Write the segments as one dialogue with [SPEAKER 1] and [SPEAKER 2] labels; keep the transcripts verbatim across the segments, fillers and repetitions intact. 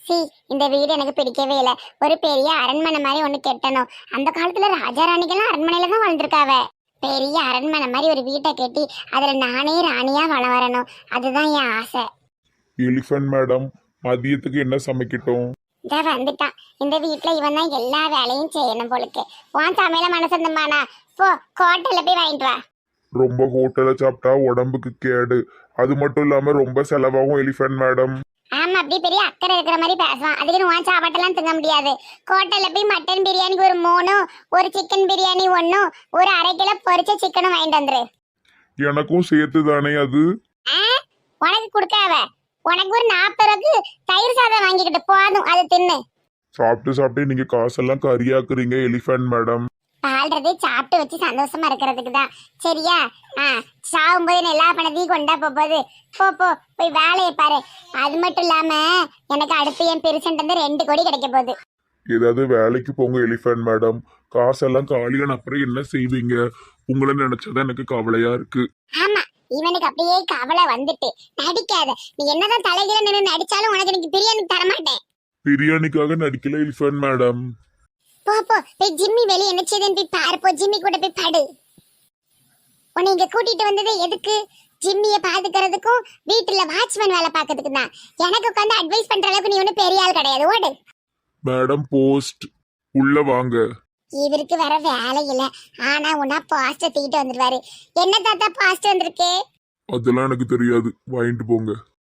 [SPEAKER 1] C இந்த வீடு எனக்கு பிடிக்கவே இல்லை. ஒரு பெரிய அரண்மனை மாதிரி ஒண்ணு கெட்டணும். அந்த காலத்துல ராஜா ராணிகள்லாம் அரண்மனையில தான் வாழ்ந்துருக்காவ. பெரிய அரண்மனை மாதிரி ஒரு வீட்டை கட்டி அதுல நானே ராணியா வள வரணும். அதுதான் என் ஆசை.
[SPEAKER 2] எலிஃபண்ட் மேடம், மதியத்துக்கு என்ன சமைக்கட்டும்?
[SPEAKER 1] இந்த வந்துட்டான். இந்த வீட்டுல இவன் தான் எல்லா வேலையும் செய்யணும் போலுக்கு. உன் சமையல மனசந்தமானா போ ஹோட்டல்ல போய் வாங்கிட்டு வா.
[SPEAKER 2] ரொம்ப ஹோட்டல்ல சாப்பிட்டா உடம்புக்கு கேடு. அது மட்டும் இல்லாம ரொம்ப செலவாகும் எலிஃபண்ட் மேடம்.
[SPEAKER 1] ஆமா, அப்படியே பெரிய அக்கறை இருக்கிற மாதிரி பேசுவான். அதுக்கு உன் சாப்பாட்டெல்லாம் திங்க முடியாது. ஹோட்டல்ல போய் மட்டன் பிரியாணிக்கு ஒரு மூணும், ஒரு சிக்கன் பிரியாணி ஒன்னும், ஒரு அரை கிலோ பொரிச்ச சிக்கனும் வாங்கிட்டு வந்துரு.
[SPEAKER 2] எனக்கும் சேர்த்து தானே அது?
[SPEAKER 1] உனக்கு கொடுக்காவ. உனக்கு ஒரு நாற்பது ரூபாய்க்கு தயிர் சாதம் வாங்கிக்கிட்டு போதும், அது தின்னு.
[SPEAKER 2] சாப்பிட்டு சாப்பிட்டு நீங்க காசெல்லாம் கரியாக்குறீங்க எலிஃபண்ட் மேடம்.
[SPEAKER 1] ஆல்ரெடி சாப்பிட்டு வச்சு சந்தோஷமா இருக்கிறதுக்கு தான். சரியா? ஆ, சாகும்போது எல்லா பணத்தையும் கொண்டா போகுது. போ போ போய் வேலையை பாரு. அது மட்டும் இல்லாம எனக்கு அடுத்து என் பெருசன்ட் வந்து ரெண்டு கோடி கிடைக்க போகுது.
[SPEAKER 2] ஏதாவது வேலைக்கு போங்க எலிஃபண்ட் மேடம். காசெல்லாம் காலியான அப்புறம் என்ன செய்வீங்க? உங்களை நினைச்சதான் எனக்கு கவலையா இருக்கு.
[SPEAKER 1] ஆமா, இவனுக்கு அப்படியே கவலை வந்துட்டு. நடிக்காத. நீ என்னதான் தலைகீழ நின்று நடிச்சாலும் உனக்கு எனக்கு பிரியாணி தரமாட்டேன்.
[SPEAKER 2] பிரியாணிக்காக நடிக்கல எலிஃபண்ட் மேடம்.
[SPEAKER 1] போ போ போய் ஜிம்மி வெளியே என்ன செய்யுதுன்னு போய் பாரு. போ ஜிம்மி கூட போய் பாடு. உன்னை இங்க கூட்டிட்டு வந்தது எதுக்கு? ஜிம்மிய பாத்துக்கிறதுக்கும் வீட்டுல வாட்ச்மேன் வேலை பார்க்கறதுக்கு தான். எனக்கு உட்காந்து அட்வைஸ் பண்ற அளவுக்கு நீ ஒன்னும் பெரிய ஆள் கிடையாது. ஓடு.
[SPEAKER 2] மேடம் போஸ்ட் உள்ள வாங்க.
[SPEAKER 1] இவருக்கு வேற வேலை இல்ல. ஆனா உன்னா பாஸ்ட் தூக்கிட்டு வந்துருவாரு. என்ன தாத்தா பாஸ்ட் வந்திருக்கு?
[SPEAKER 2] அதெல்லாம் எனக்கு தெரியாது, வாங்கிட்டு போங்க.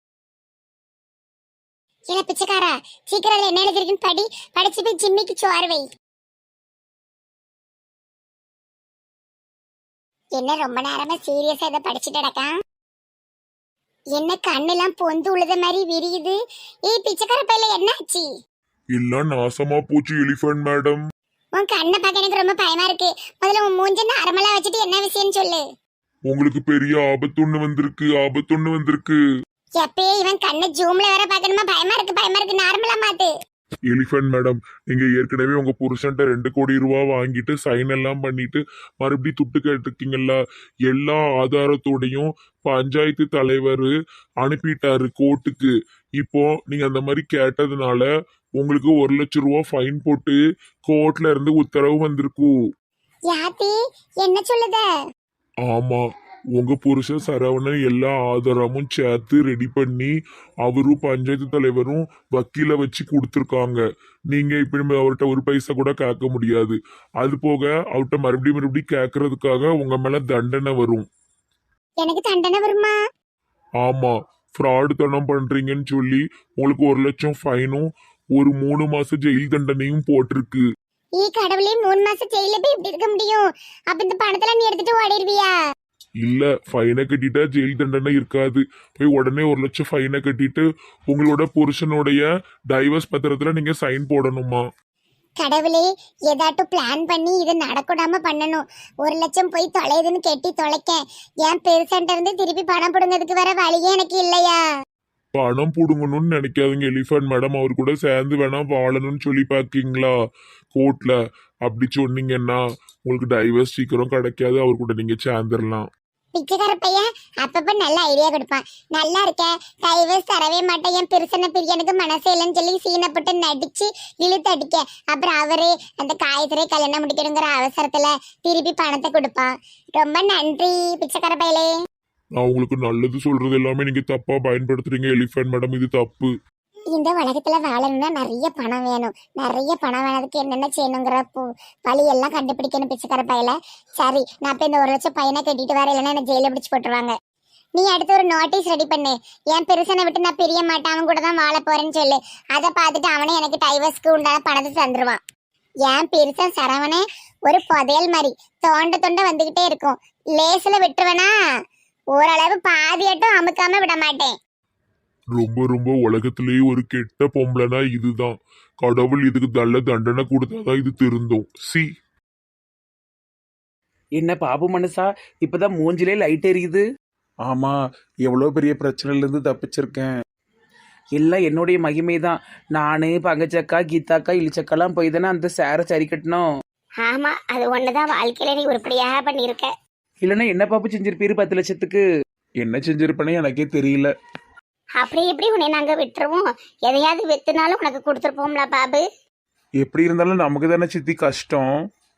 [SPEAKER 1] இல்ல பிச்சைக்காரா, சீக்கிரம் என்ன எழுதிருக்குன்னு படி. படிச்சு போய் ஜிம்மிக்கு சோறு வை. என்ன ரொம்ப நேரமா சீரியஸா இதை படிச்சுட்டு கிடக்கா? என்ன கண்ணெல்லாம் பொந்து உழுத மாதிரி விரியுது. ஏய் பிச்சைக்கார பையில என்ன ஆச்சு?
[SPEAKER 2] எல்லாம் நாசமா போச்சு எலிஃபண்ட் மேடம்.
[SPEAKER 1] உன் கண்ணை பார்க்க எனக்கு ரொம்ப பயமா இருக்கு. முதல்ல உன் மூஞ்ச நார்மலா வச்சுட்டு என்ன விஷயம்னு சொல்லு.
[SPEAKER 2] உங்களுக்கு பெரிய ஆபத்தொன்னு வந்திருக்கு, ஆபத்தொன்னு வந்திருக்கு.
[SPEAKER 1] எப்பயே இவன் கண்ணை ஜூம்ல வேற பாக்கணுமா? பயமா இருக்கு பயமா இருக்கு. நார்மலா மாத்து.
[SPEAKER 2] எலிஃபண்ட் மேடம், நீங்க ஏற்கனவே உங்க புருஷன்ட்ட ரெண்டு கோடி ரூபா வாங்கிட்டு சைன் எல்லாம் பண்ணிட்டு மறுபடியும் துட்டு கேட்டிருக்கீங்கல்ல. எல்லா ஆதாரத்தோடையும் பஞ்சாயத்து தலைவர் அனுப்பிட்டாரு கோர்ட்டுக்கு. இப்போ நீங்க அந்த மாதிரி கேட்டதுனால உங்களுக்கு ஒரு லட்சம் ரூபா ஃபைன் போட்டு கோர்ட்ல இருந்து உத்தரவு வந்திருக்கு.
[SPEAKER 1] யாத்தி என்ன சொல்லுத?
[SPEAKER 2] ஆமா, உங்க புருஷன் சரவணன் எல்லா ஆதாரமும் சேர்த்து ரெடி பண்ணி அவரும் பஞ்சாயத்து தலைவரும் வக்கீல வச்சு கொடுத்துருக்காங்க. நீங்க இப்ப அவர்கிட்ட ஒரு பைசா கூட கேட்க முடியாது. அது போக அவர்கிட்ட மறுபடியும் மறுபடியும் கேட்கறதுக்காக உங்க மேல தண்டனை வரும்.
[SPEAKER 1] எனக்கு தண்டனை வருமா?
[SPEAKER 2] ஆமா, ஃப்ராடு தனம் பண்றீங்கன்னு சொல்லி உங்களுக்கு ஒரு லட்சம் ஃபைனும் ஒரு மூணு மாசம் ஜெயில் தண்டனையும் போட்டிருக்கு.
[SPEAKER 1] ஈ கடவுளே, மூணு மாசம் ஜெயில போய் இப்படி இருக்க முடியும்? அப்ப இந்த பணத்தெல்லாம் நீ எடுத்துட்டு ஓடிடுவியா?
[SPEAKER 2] இல்ல, ஃபைனை கட்டிட்டா ஜெயில் தண்டனை இருக்காது. போய் உடனே ஒரு லட்சம் ஃபைனை கட்டிட்டு உங்களோட புருஷனுடைய டைவர்ஸ் பத்திரத்துல நீங்க சைன் போடணுமா?
[SPEAKER 1] கடவுளே, ஏதாட்டும் பிளான் பண்ணி இது நடக்கூடாம பண்ணணும். ஒரு லட்சம் போய் தொலைதுன்னு கெட்டி தொலைக்க என் பெருசன்ட்ட இருந்து திருப்பி பணம் போடுங்கிறதுக்கு வேற வழியே எனக்கு இல்லையா?
[SPEAKER 2] பணம் புடுங்கணும்னு நினைக்காதீங்க எலிஃபண்ட் மேடம். அவர் கூட சேர்ந்து வேணா வாழணும்னு சொல்லி பாக்கீங்களா கோர்ட்ல? அப்படி சொன்னீங்கன்னா உங்களுக்கு டைவர்ஸ் சீக்கிரம் கிடைக்காது. அவர் கூட நீங்க சேர்ந்துடலாம்.
[SPEAKER 1] பிச்சைக்கார பையன் அப்பப்ப நல்ல ஐடியா கொடுப்பான். நல்லா இருக்க, டைவர்ஸ் தரவே மாட்டேன், என் பெருசன பிரியனுக்கு மனசே இல்லைன்னு சொல்லி சீனப்பட்டு நடிச்சு இழுத்து அடிக்க. அப்புறம் அவரே அந்த காயத்திலே கல்யாணம் முடிக்கணுங்கிற அவசரத்துல திருப்பி பணத்தை கொடுப்பான். ரொம்ப நன்றி பிச்சைக்கார பையலே.
[SPEAKER 2] நான் உங்களுக்கு நல்லது சொல்றது எல்லாமே நீங்க தப்பா பயன்படுத்துறீங்க எலிஃபண்ட் மேடம். இது தப்பு.
[SPEAKER 1] இந்த உலகத்துல வாழணும்னா நிறைய பணம் வேணும். நிறைய பணம் வேணதுக்கு என்னென்ன செய்யணுங்கிற வழி எல்லாம் கண்டுபிடிக்கணும் பிச்சைக்கார பையல. சரி, நான் இப்ப இந்த ஒரு லட்சம் பையனை கட்டிட்டு வர, இல்லைன்னா என்ன ஜெயில பிடிச்சு போட்டுருவாங்க. நீ அடுத்து ஒரு நோட்டீஸ் ரெடி பண்ணு. என் பெருசனை விட்டு நான் பிரிய மாட்டேன், அவன் கூட தான் வாழ போறேன்னு சொல்லு. அதை பார்த்துட்டு அவனே எனக்கு டைவர்ஸ்க்கு உண்டான பணத்தை தந்துருவான். என் பெருசன் சரவணே ஒரு புதையல் மாதிரி தோண்ட தோண்ட வந்துகிட்டே இருக்கும். லேசில விட்டுருவேனா? ஓரளவு பாதியட்டும் அமுக்காம விட மாட்டேன்.
[SPEAKER 2] ரொம்ப ரொம்ப உலகத்திலேயே ஒரு கெட்ட பொம்பளைனா இதுதான். கடவுள் இதுக்கு நல்ல தண்டனை கொடுத்தாதான் இது திருந்தும். சி
[SPEAKER 3] என்ன பாபு மனுஷா, இப்பதான் மூஞ்சிலே லைட் எரியுது.
[SPEAKER 4] ஆமா, எவ்வளோ பெரிய பிரச்சனைல இருந்து தப்பிச்சிருக்கேன்.
[SPEAKER 3] எல்லாம் என்னுடைய மகிமை தான். நானு பங்கச்சக்கா கீதாக்கா இழிச்சக்காலாம் போய் தானே அந்த சேரை சரி கட்டணும்.
[SPEAKER 1] ஆமா, அது ஒண்ணுதான் வாழ்க்கையில நீ உருப்படியாக பண்ணிருக்க.
[SPEAKER 3] இல்லைன்னா என்ன பாப்பு செஞ்சிருப்பீரு பத்து லட்சத்துக்கு?
[SPEAKER 4] என்ன செஞ்சிருப்பேனே எனக்கே தெரியல.
[SPEAKER 1] அப்படி எப்படி உன்னை நாங்க விட்டுருவோம்? எதையாவது வித்துனாலும் உனக்கு கொடுத்துருப்போம்ல பாபு.
[SPEAKER 4] எப்படி இருந்தாலும் நமக்கு தானே சித்தி கஷ்டம்.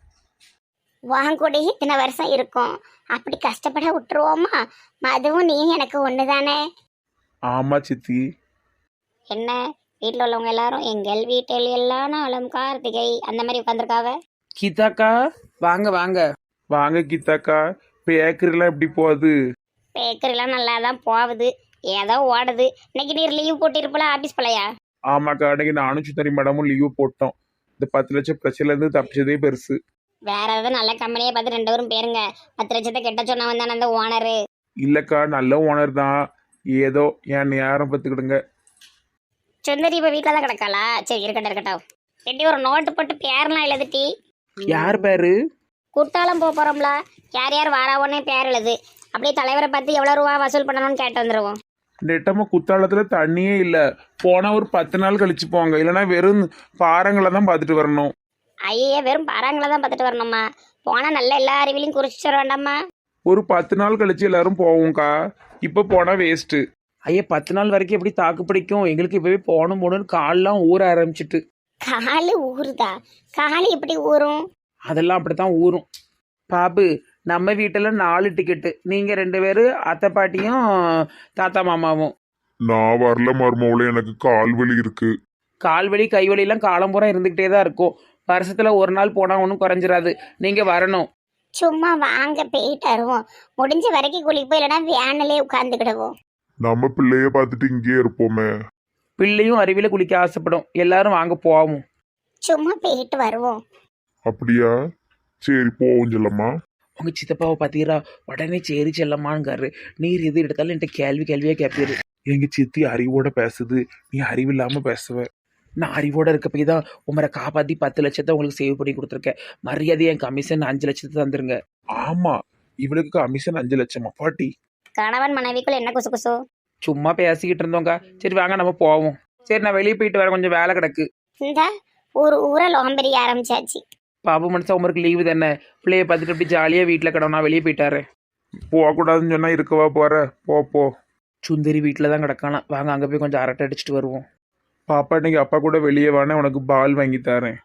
[SPEAKER 1] வாங்க கூட இத்தனை வருஷம் இருக்கும், அப்படி கஷ்டப்பட விட்டுருவோமா? அதுவும் நீ எனக்கு ஒன்று தானே.
[SPEAKER 4] ஆமா சித்தி.
[SPEAKER 1] என்ன வீட்டில் உள்ளவங்க எல்லாரும் எங்கள் வீட்டில் எல்லாம் நாளும் கார்த்திகை அந்த மாதிரி உட்காந்துருக்காவ.
[SPEAKER 3] கீதாக்கா வாங்க வாங்க.
[SPEAKER 4] வாங்க கீதாக்கா. பேக்கரிலாம் எப்படி போகுது?
[SPEAKER 1] பேக்கரிலாம் நல்லா தான் போகுது, ஏதோ ஓடுது. இன்னைக்கு நீர் லீவ் போட்டிருப்பல ஆபீஸ் போலையா?
[SPEAKER 4] ஆமாக்கா, அன்னைக்கு நானும் சுந்தரி மேடமும் லீவு போட்டோம். இந்த பத்து லட்சம் பிரச்சனைலேருந்து தப்பிச்சதே பெருசு.
[SPEAKER 1] வேற ஏதாவது நல்ல கம்பெனியை பார்த்து ரெண்டு பேரும் பேருங்க. பத்து லட்சத்தை கெட்ட சொன்னவன் தானே அந்த ஓனரு.
[SPEAKER 4] இல்லைக்கா, நல்ல ஓனர் தான். ஏதோ என் நேரம் பார்த்துக்கிடுங்க.
[SPEAKER 1] சுந்தரி இப்போ வீட்டில் தான் கிடக்காளா? சரி இருக்கட்டும் இருக்கட்டும். எட்டி ஒரு நோட்டு போட்டு பேர்லாம் எழுதுட்டி.
[SPEAKER 3] யார் பேரு?
[SPEAKER 1] குட்டாலம் போக போகிறோம்ல, யார் யார் வாராவோன்னே பேர் எழுது. அப்படியே தலைவரை பார்த்து எவ்வளோ ரூபா வசூல் பண்ணணும்னு கேட்டு வந்துடுவோம்.
[SPEAKER 4] நெட்டமாக குத்தாலத்தில் தண்ணியே இல்லை. போனால் ஒரு பத்து நாள் கழிச்சு போங்க, இல்லைன்னா வெறும் பாறைங்களை தான் பார்த்துட்டு வரணும்.
[SPEAKER 1] ஐயே, வெறும் பாறாங்களை தான் பார்த்துட்டு வரணுமா? போனால் நல்ல எல்லா அறிவிலையும் குறிச்சிட்டு வர வேண்டாமா?
[SPEAKER 4] ஒரு பத்து நாள் கழிச்சு எல்லாரும் போவோம்க்கா. இப்போ போனால் வேஸ்ட்டு.
[SPEAKER 3] ஐயா பத்து நாள் வரைக்கும் எப்படி தாக்கு பிடிக்கும்? எங்களுக்கு இப்பவே போகணும் போகணும்னு கால்லாம் ஊற ஆரம்பிச்சிட்டு.
[SPEAKER 1] காலு ஊறுதா? காலு எப்படி ஊறும்?
[SPEAKER 3] அதெல்லாம் அப்படித்தான் ஊறும். பாபு, நம்ம வீட்டில் நாலு டிக்கெட்டு, நீங்கள் ரெண்டு பேரும் அத்தை பாட்டியும் தாத்தா மாமாவும்.
[SPEAKER 2] நான் வரல மருமவளே, எனக்கு கால் வலி இருக்கு.
[SPEAKER 3] கால்வலி கைவலிலாம் காலம்பூரா இருந்துக்கிட்டே தான் இருக்கும். வருஷத்தில் ஒரு நாள் போனால் ஒன்றும் குறைஞ்சிராது. நீங்கள் வரணும்.
[SPEAKER 1] சும்மா வாங்க போயிட்டு வருவோம். முடிஞ்ச வரைக்கும் குளிப்போம், இல்லைன்னா வேனிலே உட்காந்துக்கிடுவோம்.
[SPEAKER 2] நம்ம பிள்ளைய பார்த்துட்டு இங்கேயே இருப்போமே.
[SPEAKER 3] பிள்ளையும் அருவியில் குளிக்க ஆசைப்படும். எல்லாரும் வாங்க போவோம்.
[SPEAKER 1] சும்மா போயிட்டு வருவோம்.
[SPEAKER 2] அப்படியா? சரி போவோம் செல்லம்மா.
[SPEAKER 3] உங்கள் சித்தப்பாவை பார்த்தீரா? உடனே சரி செல்லம்மாங்காரு. நீர் எது எடுத்தாலும் என்கிட்ட கேள்வி கேள்வியாக கேட்பீரு.
[SPEAKER 4] எங்க சித்தி அறிவோட பேசுது, நீ அறிவில்லாமல் பேசுவ.
[SPEAKER 3] நான் அறிவோட இருக்க போய் தான் உமரை காப்பாற்றி பத்து லட்சத்தை உங்களுக்கு சேவ் பண்ணி கொடுத்துருக்கேன். மரியாதை என் கமிஷன் அஞ்சு லட்சத்தை தந்துருங்க.
[SPEAKER 4] ஆமா, இவளுக்கு கமிஷன் அஞ்சு லட்சமா பாட்டி?
[SPEAKER 1] கணவன் மனைவிக்குள்ள என்ன குசு குசு?
[SPEAKER 3] சும்மா பேசிக்கிட்டு இருந்தோங்க. சரி வாங்க நம்ம போவோம். சரி நான் வெளியே போயிட்டு வரேன், கொஞ்சம் வேலை கிடக்கு.
[SPEAKER 1] இந்த ஒரு ஊரை லோம்பெரிய ஆரம்பிச்சாச்சு.
[SPEAKER 3] பாபு மனுஷன் உமருக்கு லீவு தானே, பிள்ளைய பார்த்துட்டு அப்படி ஜாலியாக வீட்டில் கிடவும். நான் வெளியே போயிட்டாரு.
[SPEAKER 4] போகக்கூடாதுன்னு சொன்னா இருக்கவா போற? போ போ.
[SPEAKER 3] சுந்தரி வீட்டில் தான் கிடக்கானா. வாங்க அங்கே போய் கொஞ்சம் அரட்டை அடிச்சுட்டு வருவோம்.
[SPEAKER 4] பாப்பா இன்னைக்கு அப்பா கூட வெளியே வானே, உனக்கு பால் வாங்கி தரேன்.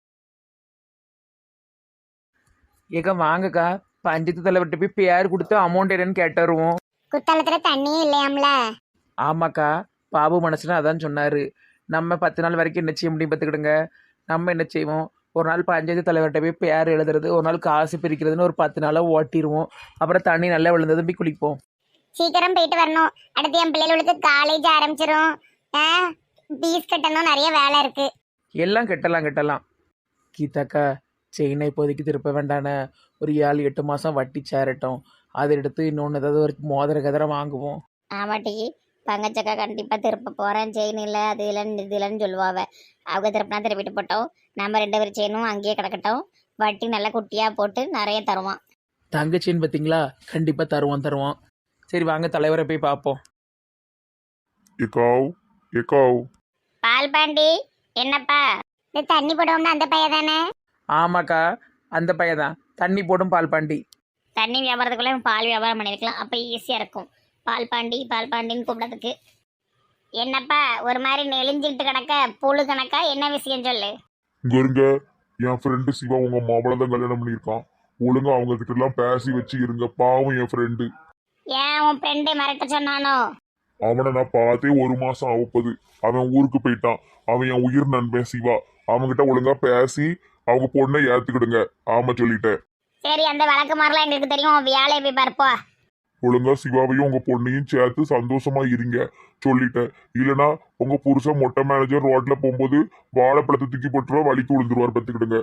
[SPEAKER 3] ஏக்கா வாங்கக்கா, பஞ்சத்து தலைவர்கிட்ட போய் பேர் கொடுத்து அமௌண்ட் என்னன்னு கேட்டு வருவோம்.
[SPEAKER 1] குத்தாலத்துல தண்ணியே இல்லையாம்ல?
[SPEAKER 3] ஆமாக்கா, பாபு மனசுனா அதான் சொன்னார். நம்ம பத்து நாள் வரைக்கும் என்ன செய்ய முடியும் பார்த்துக்கிடுங்க. நம்ம என்ன செய்வோம், ஒரு நாள் பஞ்சாயத்து தலைவர்கிட்ட போய் பேர் எழுதுறது, ஒரு நாள் காசு பிரிக்கிறதுன்னு ஒரு பத்து நாளாக ஓட்டிடுவோம். அப்புறம் தண்ணி நல்லா விழுந்ததும் போய் குளிப்போம்.
[SPEAKER 1] சீக்கிரம் போயிட்டு வரணும். அடுத்து என் பிள்ளைகளுக்கு காலேஜ் ஆரம்பிச்சிரும். பீஸ் கட்டணும், நிறைய வேலை இருக்கு.
[SPEAKER 3] எல்லாம் கெட்டலாம் கெட்டலாம். கீதாக்கா, செயினை இப்போதைக்கு திருப்ப வேண்டானே. ஒரு ஏழு எட்டு மாதம் வட்டி சேரட்டும். அதை எடுத்து இன்னொன்று ஏதாவது ஒரு மோதிர கதிரை வாங்குவோம்.
[SPEAKER 1] ஆமாட்டி, பங்கச்சக்கா கண்டிப்பாக திருப்ப போகிறேன். செயின் இல்லை, அது இல்லைன்னு இது இல்லைன்னு சொல்லுவாங்க. அவங்க திருப்பினா திருப்பிட்டு போட்டோம். நம்ம ரெண்டு பேரும் செயினும் அங்கேயே கிடக்கட்டும். வட்டி நல்லா குட்டியாக போட்டு நிறைய தருவான்.
[SPEAKER 3] தங்கச்சின்னு பார்த்தீங்களா? கண்டிப்பாக தருவோம் தருவோம். சரி வாங்க தலைவரை போய் பார்ப்போம்.
[SPEAKER 2] ஏக்காவ் ஏக்காவ்
[SPEAKER 1] பால் பாண்டி, என்னப்பா இந்த தண்ணி போடுவோம்னா அந்த பையன் தானே?
[SPEAKER 3] ஆமாக்கா, அந்த பையன் தான். தண்ணி போடும் பால் பாண்டி.
[SPEAKER 1] தண்ணி வியாபாரத்துக்குள்ளே பால் வியாபாரம் பண்ணியிருக்கலாம், அப்போ ஈஸியாக இருக்கும். பால் பாண்டி பால் பாண்டின்னு கூப்பிடறதுக்கு. என்னப்பா ஒரு மாதிரி நெளிஞ்சிக்கிட்டு கிடக்க, புழு கணக்கா? என்ன விஷயம் சொல்லு.
[SPEAKER 2] இங்க இருங்க. என் ஃப்ரெண்டு சிவா உங்க மாப்பிள தான் கல்யாணம் பண்ணியிருக்கான். ஒழுங்கா அவங்க கிட்ட எல்லாம் பேசி வச்சு இருங்க. பாவம் என் ஃப்ரெண்டு.
[SPEAKER 1] ஏன் உன் ஃப்ரெண்டு மிரட்ட சொன்னானோ?
[SPEAKER 2] அவனை நான் பார்த்தே ஒரு மாசம் ஆகப்போகுது. அவன் ஊருக்கு போயிட்டான். அவன் என் உயிர் நண்பன் சிவா. அவன்கிட்ட ஒழுங்கா பேசி அவங்க பொண்ணை ஏத்துக்கிடுங்க. ஆமா சொல்லிட்டேன்.
[SPEAKER 1] சரி, அந்த வழக்கு மாதிரிலாம் எங்களுக்கு தெரியும். உன் வேலையை போய் பார்ப்போ.
[SPEAKER 2] ஒழுங்கா சிவாவையும் உங்க பொண்ணையும் சேர்த்து சந்தோஷமா இருங்க சொல்லிட்டேன். இல்லைன்னா உங்க புருஷன் மொட்டை மேனேஜர் ரோட்ல போகும்போது வாழைப்பழத்தை தூக்கி போட்டுருவா, வலிக்கு விழுந்துருவார். பத்துக்கிடுங்க.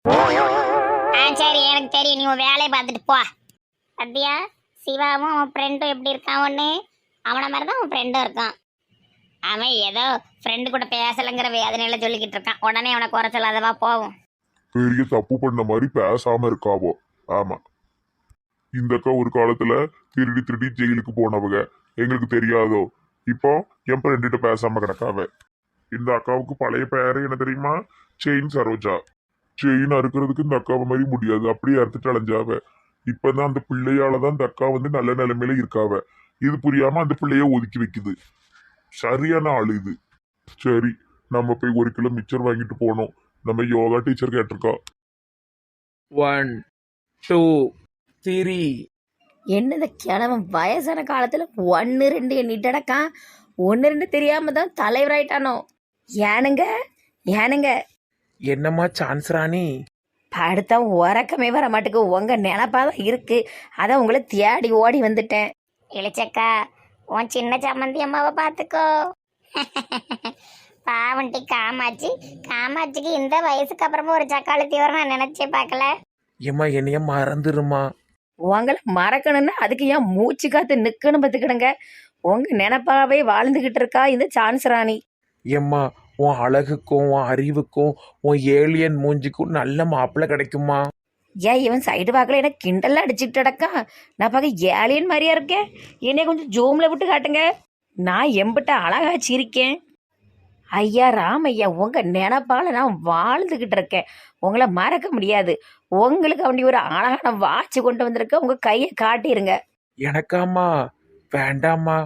[SPEAKER 1] ஆ சரி, எனக்கு தெரியும். நீ உன் வேலையை பார்த்துட்டு போ. அப்படியா? சிவாவும் அவன் ஃப்ரெண்டும் எப்படி இருக்கான் ஒன்று? அவனை மாதிரி தான் அவன் ஃப்ரெண்டும் இருக்கான். அவன் ஏதோ ஃப்ரெண்டு கூட பேசலைங்கிற வேதனையில சொல்லிக்கிட்டு இருக்கான். உடனே அவனை குறை சொல்லாதவா போவோம்.
[SPEAKER 2] பெரிய தப்பு பண்ண மாதிரி பேசாம இருக்காவோ. ஆமா, இந்த அக்கா ஒரு காலத்துல திருடி திருடி ஜெயிலுக்கு போனவங்க. எங்களுக்கு தெரியாதோ? இப்போ என் ஃப்ரெண்டுகிட்ட பேசாம கிடக்காவ. இந்த அக்காவுக்கு பழைய பேரு என்ன தெரியுமா? செயின் சரோஜா. செயின் அறுக்கிறதுக்கு இந்த அக்காவை மாதிரி முடியாது, அப்படியே அறுத்துட்டு அலைஞ்சாவ. இப்பதான் அந்த பிள்ளையாலதான் இந்த அக்கா வந்து நல்ல நிலைமையில இருக்காவ. இது புரியாம அந்த பிள்ளைய ஒதுக்கி வைக்குது. சரியான ஆளு இது. சரி, நம்ம போய் ஒரு கிலோ மிச்சர் வாங்கிட்டு போனோம். நம்ம யோகா டீச்சர் கேட்டிருக்கா.
[SPEAKER 3] One two three.
[SPEAKER 5] என்னது கிழவன் வயசான காலத்துல ஒன்று ரெண்டு எண்ணிட்டடக்கான். ஒன்று ரெண்டு தெரியாம தான் தலைவராயிட்டானோ. ஏனுங்க ஏனுங்க
[SPEAKER 3] என்னம்மா சான்ஸ் ராணி?
[SPEAKER 5] படுத்தா உறக்கமே வர மாட்டுக்கு. உங்க நினப்பாதான் இருக்கு, அதான் உங்களை தேடி ஓடி வந்துட்டேன்.
[SPEAKER 1] இளிச்சக்கா, உன் சின்ன சம்மந்தி அம்மாவை பார்த்துக்கோ. பாவண்டி காமாட்சி. காமாட்சிக்கு இந்த வயசுக்கு அப்புறமா ஒரு சக்காளத்தி வர நான் நினைச்சே பார்க்கல.
[SPEAKER 3] ஏம்மா என்னைய மறந்துருமா?
[SPEAKER 5] உங்களை மறக்கணும்னா அதுக்கு ஏன் மூச்சு காத்து நிக்கணும் பார்த்துக்கிடுங்க. உங்க நினப்பாவே வாழ்ந்துகிட்டு இருக்கா இந்த சான்ஸ் ராணி.
[SPEAKER 3] ஏம்மா உன் அழகுக்கும் உன் அறிவுக்கும் உன் ஏலியன் மூஞ்சிக்கும் நல்ல மாப்பிள்ளை கிடைக்குமா?
[SPEAKER 5] ஏன் இவன் சைடு வாக்கில் என்ன கிண்டல்லாம் அடிச்சுக்கிட்டு அடக்கா? நான் பார்க்க ஏலியன் மாதிரியா இருக்கேன். என்னைய கொஞ்சம் ஜூமில் விட்டு காட்டுங்க. நான் எம்பிட்ட அழகா சிரிக்கேன். ஐயா ராமையா, உங்க நினப்பால நான் வாழ்ந்துகிட்டு இருக்கேன். உங்களை மறக்க முடியாது. உங்களுக்கு அப்படி ஒரு அழகான வாட்ச் கொண்டு வந்திருக்க. உங்க கையை காட்டிருங்க.
[SPEAKER 3] எனக்காம்மா? வேண்டாம்மா.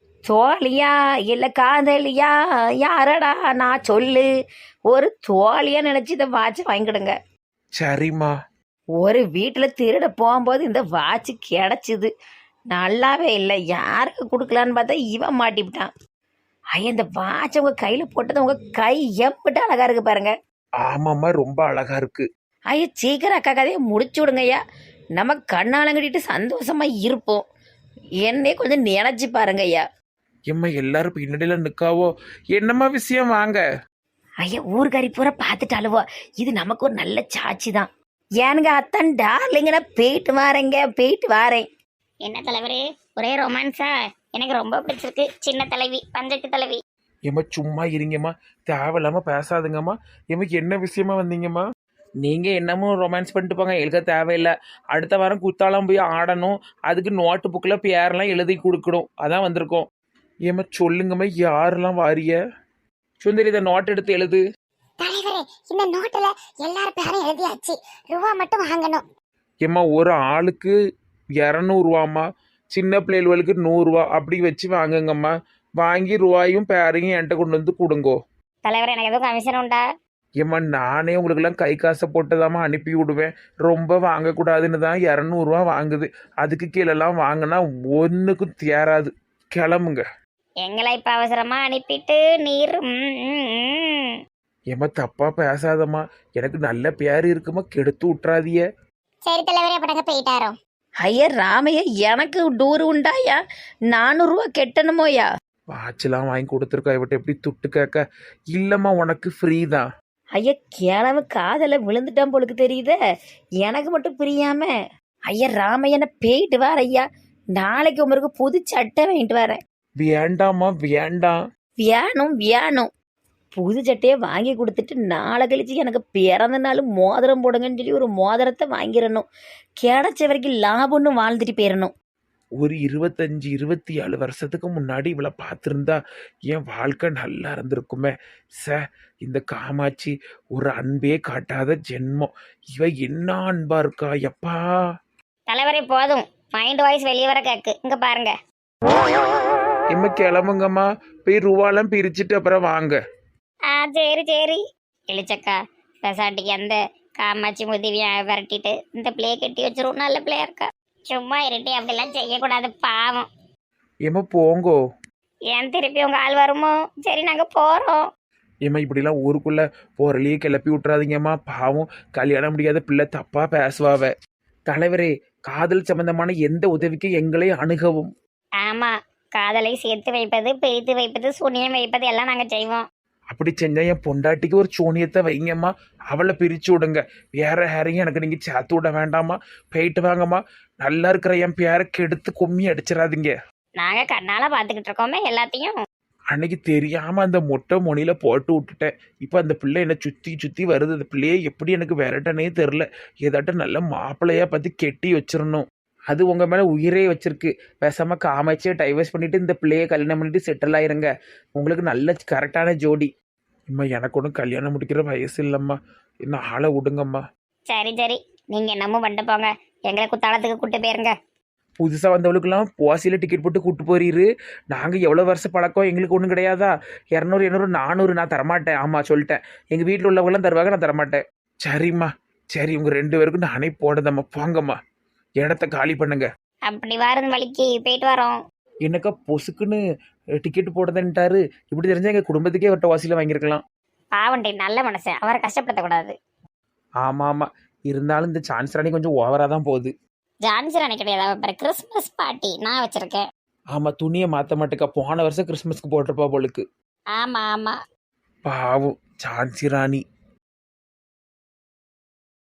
[SPEAKER 5] தோழியா இல்ல காதலியா யாரடா நான் சொல்லு. ஒரு தோழியா நினைச்சு இந்த வாட்ச் வாங்கிடுங்க.
[SPEAKER 3] சரிம்மா.
[SPEAKER 5] ஒரு வீட்டில் திருட போகும்போது இந்த வாட்ச் கிடைச்சிது. நல்லாவே இல்லை. யாருக்கு கொடுக்கலான்னு பார்த்தா இவன் மாட்டிவிட்டான். ஐயா, இந்த வாட்ச் உங்க கையில போட்டது உங்க கை எம்பிட்டு அழகா இருக்கு பாருங்க.
[SPEAKER 3] ஆமாம்மா, ரொம்ப அழகா இருக்கு.
[SPEAKER 5] ஐயா சீக்கிரம் அக்கா கதையை முடிச்சு விடுங்க ஐயா. நம்ம கண்ணாலங்கட்டிட்டு சந்தோஷமா இருப்போம். என்னே கொஞ்சம் நினைச்சு பாருங்க ஐயா.
[SPEAKER 3] ஏம்மா எல்லாரும் பின்னாடியில நிக்காவோ? என்னம்மா விஷயம்? வாங்க.
[SPEAKER 5] ஐயா ஊர்காரி பூரா பார்த்துட்டாலுவோ. இது நமக்கு ஒரு நல்ல சாட்சி தான். ஏனுங்க அத்தான் டார்லிங்க, நான் போயிட்டு வாரேங்க போயிட்டு வாரேன்.
[SPEAKER 1] என்ன தலைவரே, ஒரே ரொமான்ஸா? எனக்கு ரொம்ப பிடிச்சிருக்கு. சின்ன தலைவி, பஞ்சத்து தலைவி.
[SPEAKER 3] ஏம்மா சும்மா இருங்கம்மா, தேவையில்லாம பேசாதுங்கம்மா. ஏம்மா என்ன விஷயமா வந்தீங்கம்மா? நீங்க என்னமோ ரொமான்ஸ் பண்ணிட்டு போங்க, எழுத தேவையில்லை. அடுத்த வாரம் குத்தாலம் போய் ஆடணும். அதுக்கு நோட்டு புக்கில் பேரெல்லாம் எழுதி கொடுக்கணும். அதான் வந்திருக்கோம். ஏம்மா சொல்லுங்கம்மா, யாரெல்லாம் வாரிய? சுந்தரி, இதை நோட் எடுத்து எழுது.
[SPEAKER 1] தலைவரே, இந்த நோட்டுல எல்லார் பேரும் எழுதியாச்சு. ரூபா மட்டும் வாங்கணும்.
[SPEAKER 3] ஏம்மா ஒரு ஆளுக்கு இரநூறுவாம்மா, சின்ன பிள்ளைகளுக்கு நூறுரூவா அப்படி வச்சு வாங்குங்கம்மா. வாங்கி ரூபாயும் பேரையும் என்கிட்ட கொண்டு வந்து கொடுங்கோ.
[SPEAKER 1] தலைவர், எனக்கு எதுவும் கமிஷன் உண்டா?
[SPEAKER 3] ஏம்மா நானே உங்களுக்கெல்லாம் கை காசை போட்டுதாம்மா அனுப்பி விடுவேன். ரொம்ப வாங்கக்கூடாதுன்னு தான் இரநூறுவா வாங்குது. அதுக்கு கீழெல்லாம் வாங்கினா ஒன்றுக்கும் தேராது. கிளம்புங்க.
[SPEAKER 1] எங்களை இப்ப அவசரமா அனுப்பிட்டு நீர். ம், ம், ம்.
[SPEAKER 3] ஏம்மா தப்பா பேசாதம்மா, எனக்கு நல்ல பேர் இருக்குமா, கெடுத்து விட்றாதிய.
[SPEAKER 1] சரி தலைவரே, அப்ப நாங்க போயிட்டாரோ.
[SPEAKER 5] ஐயா ராமையா, எனக்கு டூர் உண்டாயா? நானூறுரூவா கெட்டணுமோயா?
[SPEAKER 3] வாட்செல்லாம் வாங்கி கொடுத்துருக்கா, இவட்ட எப்படி துட்டு கேட்க? இல்லைம்மா, உனக்கு ஃப்ரீ தான்.
[SPEAKER 5] ஐயா கிழவு காதல விழுந்துட்டான் போலுக்கு தெரியுதே. எனக்கு மட்டும் புரியாம. ஐயா ராமையனை போயிட்டு வார ஐயா. நாளைக்கு உங்களுக்கு புது சட்டை வாங்கிட்டு வரேன்.
[SPEAKER 3] வேண்டாம்மா வேண்டாம்.
[SPEAKER 5] வியானும் வியானும் புது சட்டையை வாங்கி கொடுத்துட்டு நாளை கழிச்சு எனக்கு பிறந்த நாள் மோதிரம் போடுங்கன்னு சொல்லி ஒரு மோதிரத்தை வாங்கிடணும். கிடைச்ச வரைக்கும் லாபம்னு வாழ்ந்துட்டு போயிடணும்.
[SPEAKER 3] ஒரு இருபத்தஞ்சு இருபத்தி ஏழு வருஷத்துக்கு முன்னாடி இவளை பார்த்துருந்தா என் வாழ்க்கை நல்லா இருந்திருக்குமே. ச இந்த காமாட்சி ஒரு அன்பே காட்டாத ஜென்மம். இவ என்ன அன்பா இருக்கா எப்பா.
[SPEAKER 1] தலைவரே போதும், மைண்ட் வாய்ஸ் வெளியே வர கேக்கு. இங்க பாருங்க.
[SPEAKER 3] இம்ம கிளம்புங்கம்மா, போய் ரூபாலாம் பிரிச்சுட்டு அப்புறம் வாங்க.
[SPEAKER 1] ஆ சரி சரி. இளிச்சக்கா, பெசாட்டிக்கு அந்த காமாட்சி முதிவியை விரட்டிட்டு இந்த பிள்ளையை கட்டி வச்சிரும். நல்ல பிள்ளையா இருக்கா. சும்மா இருட்டி, அப்படிலாம் செய்யக்கூடாது, பாவம்.
[SPEAKER 3] ஏம்மா போங்கோ.
[SPEAKER 1] ஏன் திருப்பி உங்க ஆள் வருமோ? சரி, நாங்க போறோம்.
[SPEAKER 3] ஏம்மா இப்படிலாம் ஊருக்குள்ள போறலையே கிளப்பி விட்றாதீங்கம்மா. பாவம், கல்யாணம் முடியாத பிள்ளை தப்பா பேசுவாவ. தலைவரே, காதல் சம்பந்தமான எந்த உதவிக்கும் எங்களை அணுகவும்.
[SPEAKER 1] ஆமா, காதலை சேர்த்து வைப்பது, பிரித்து வைப்பது, சூனியம் வைப்பது எல்லாம் நாங்க செய்வோம்.
[SPEAKER 3] அப்படி செஞ்சா என் பொண்டாட்டிக்கு ஒரு சூனியத்தை வைங்கம்மா. அவளை பிரிச்சு விடுங்க. வேற யாரையும் எனக்கு நீங்க சேர்த்து விட வேண்டாமா. போயிட்டு வாங்கம்மா. நல்லா இருக்கிற என் பேரை கெடுத்து கும்மி அடிச்சிடாதீங்க.
[SPEAKER 1] நாங்க கண்ணால பாத்துக்கிட்டு இருக்கோமே எல்லாத்தையும்.
[SPEAKER 3] அன்னைக்கு தெரியாம அந்த மொட்டை மொனியில போட்டு விட்டுட்டேன். இப்ப அந்த பிள்ளை என்ன சுத்தி சுத்தி வருது. அந்த பிள்ளைய எப்படி எனக்கு விரட்டனே தெரில. ஏதாட்டும் நல்ல மாப்பிள்ளையா பார்த்து கெட்டி வச்சிடணும். அது உங்க மேல உயிரே வச்சிருக்கு. பேசாம காமாட்சியை டைவர்ஸ் பண்ணிட்டு இந்த பிள்ளைய கல்யாணம் பண்ணிட்டு செட்டில் ஆயிருங்க. உங்களுக்கு நல்ல கரெக்டான ஜோடி. இம்மா எனக்கு ஒன்றும் கல்யாணம் முடிக்கிற வயசு இல்லைம்மா. இன்னும் ஆளை விடுங்கம்மா.
[SPEAKER 1] சரி சரி, நீங்க என்னமோ பண்ணிட்டு போங்க. எங்களை குத்தாலத்துக்கு கூட்டு போயிருங்க.
[SPEAKER 3] புதுசாக வந்தவளுக்கெல்லாம் போசியில் டிக்கெட் போட்டு கூப்பிட்டு போறீரு. நாங்கள் எவ்வளோ வருஷம் பழக்கம், எங்களுக்கு ஒன்றும் கிடையாதா? இரநூறு இரநூறு நானூறு நான் தரமாட்டேன். ஆமாம் சொல்லிட்டேன், எங்கள் வீட்டில் உள்ளவங்களாம் தருவாங்க, நான் தரமாட்டேன். சரிம்மா சரி, உங்கள் ரெண்டு பேருக்கும் நானே போடுதம்மா. போங்கம்மா, இடத்த காலி பண்ணுங்க.
[SPEAKER 1] அப்படி வாரம் வழிக்கு போயிட்டு வரோம்.
[SPEAKER 3] என்னக்கா பொசுக்குன்னு டிக்கெட் போடுதேன்ட்டாரு. இப்படி தெரிஞ்சா எங்கள் குடும்பத்துக்கே அவர்கிட்ட வாசியில் வாங்கியிருக்கலாம்.
[SPEAKER 1] பாவண்டி நல்ல மனுஷன், அவரை கஷ்டப்படுத்தக்கூடாது.
[SPEAKER 3] ஆமாம் ஆமாம், இருந்தாலும் இந்த சான்ஸ் ராணி கொஞ்சம் ஓவராக தான் போகுது.
[SPEAKER 1] ஜான்சி ராணி கிடையாது, அவர் கிறிஸ்மஸ் பார்ட்டி நான் வச்சிருக்கேன்.
[SPEAKER 3] ஆமாம், துணியை மாற்ற மாட்டேக்கா. போன வருஷம் கிறிஸ்மஸ்க்கு போட்டிருப்பா போலுக்கு.
[SPEAKER 1] ஆமா ஆமா.
[SPEAKER 3] பாவம் ஜான்சி ராணி.